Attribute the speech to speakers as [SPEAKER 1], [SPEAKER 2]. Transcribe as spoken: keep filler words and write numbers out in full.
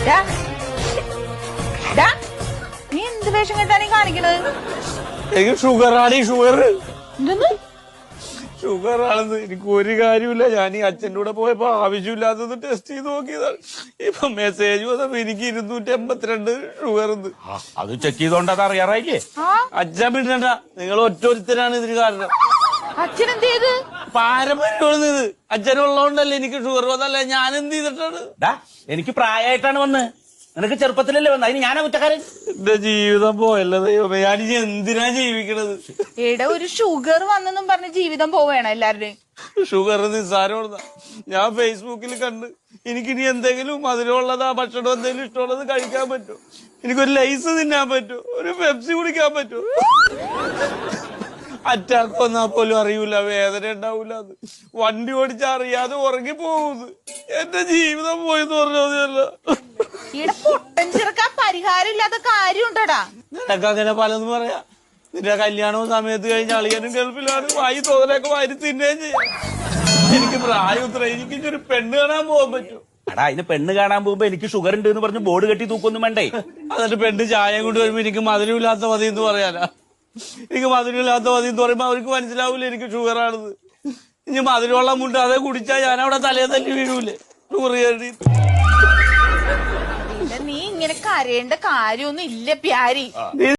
[SPEAKER 1] നീ എന്ത് വേഷം കെട്ടാണ് ഈ കാണിക്കണത്?
[SPEAKER 2] എനിക്ക് ഷുഗറാണ്. ഈ ഷുഗർ
[SPEAKER 1] എന്തെന്ന്?
[SPEAKER 2] ഷുഗർ ആണെന്ന് എനിക്ക് ഒരു കാര്യമില്ല. ഞാൻ ഈ അച്ഛൻ്റെ കൂടെ പോയപ്പോ ആവശ്യമില്ലാത്തത് ടെസ്റ്റ് ചെയ്ത് നോക്കിയതാണ്. ഇപ്പൊ മെസ്സേജ് വന്നപ്പോ എനിക്ക് ഇരുന്നൂറ്റി എൺപത്തിരണ്ട് ഷുഗർ.
[SPEAKER 3] അത് ചെക്ക് ചെയ്തോണ്ട് അത് അറിയാറായില്ലേ?
[SPEAKER 2] അച്ഛൻ പിന്നണ്ട, നിങ്ങൾ ഒറ്റൊരുത്തരാണ് ഇതിന് കാരണം.
[SPEAKER 1] അച്ഛൻ എന്ത് ചെയ്ത്?
[SPEAKER 2] പാരമ്പര്യമാണ് ഇത്. അച്ഛനുള്ളതുകൊണ്ടല്ലേ എനിക്ക് ഷുഗർ വന്നല്ലേ. ഞാൻ എന്ത് ചെയ്തിട്ടാണ്?
[SPEAKER 3] എനിക്ക് പ്രായമായിട്ടാണ് വന്ന്. നിനക്ക് ചെറുപ്പത്തിലല്ലേ വന്നത്. അതിന് ഞാനാ കുറ്റക്കാരൻ.
[SPEAKER 2] എന്റെ ജീവിതം പോയല്ലോ ദൈവമേ. ഞാനിനി എന്തിനാ ജീവിക്കണത്?
[SPEAKER 1] എടാ, ഒരു ഷുഗർ വന്നെന്നും പറഞ്ഞ് ജീവിതം പോവേണം എല്ലാവരുടെയും.
[SPEAKER 2] ഷുഗർ നിസ്സാരമുള്ളതാ. ഞാൻ ഫേസ്ബുക്കിൽ കണ്ട് എനിക്കിനി എന്തെങ്കിലും മധുരമുള്ളതാ ഭക്ഷണം എന്തെങ്കിലും ഇഷ്ടമുള്ളത് കഴിക്കാൻ പറ്റുമോ? എനിക്കൊരു ലൈസ് തിന്നാൻ പറ്റുമോ? ഒരു പെപ്സി കുടിക്കാൻ പറ്റുമോ? അറ്റാക്ക് വന്നാ പോലും അറിയൂല, വേദന ഉണ്ടാവൂല. അത് വണ്ടി ഓടിച്ചാ അറിയാതെ ഉറങ്ങി പോകുന്നത്. എന്റെ ജീവിതം പോയെന്ന് പറഞ്ഞതല്ല.
[SPEAKER 1] ഇവിടെ പൊട്ടൻ ചെറുക്കാൻ പരിഹാരം ഇല്ലാത്ത കാര്യം ഉണ്ടടാ.
[SPEAKER 2] നിനക്ക് അങ്ങനെ പലതും പറയാ. നിന്റെ കല്യാണവും സമയത്ത് കഴിഞ്ഞ അളിയനും ഗൾഫിലാണ്. വായി തോന്നലൊക്കെ വാരി തിന്നുകയും ചെയ്യാം. എനിക്ക് പ്രായം ഉത്തര. എനിക്ക് ഒരു പെണ്ണ് കാണാൻ പോകാൻ പറ്റും.
[SPEAKER 3] എടാ, അതിന് പെണ്ണ് കാണാൻ പോകുമ്പോ എനിക്ക് ഷുഗർ ഉണ്ട് എന്ന് പറഞ്ഞ് ബോർഡ് കെട്ടി തൂക്കൊന്നും വേണ്ടേ?
[SPEAKER 2] എന്നിട്ട് പെണ്ണ് ചായം കൊണ്ട് വരുമ്പോ എനിക്ക് മധുരമില്ലാത്ത മതി എന്ന് പറയാനാ. എനിക്ക് മധുരമില്ലാത്ത മതി എന്ന് പറയുമ്പോ അവർക്ക് മനസ്സിലാവൂല എനിക്ക് ഷുഗർ ആണെന്ന്. ഇനി മധുരമുള്ള മുണ്ട് അതേ കുടിച്ചാ ഞാൻ അവിടെ തലേ തല്ലി വീഴൂലേ ഷുഗർ കയറി.
[SPEAKER 1] നീ ഇങ്ങനെ കരയേണ്ട കാര്യമൊന്നും ഇല്ല പ്യാരി.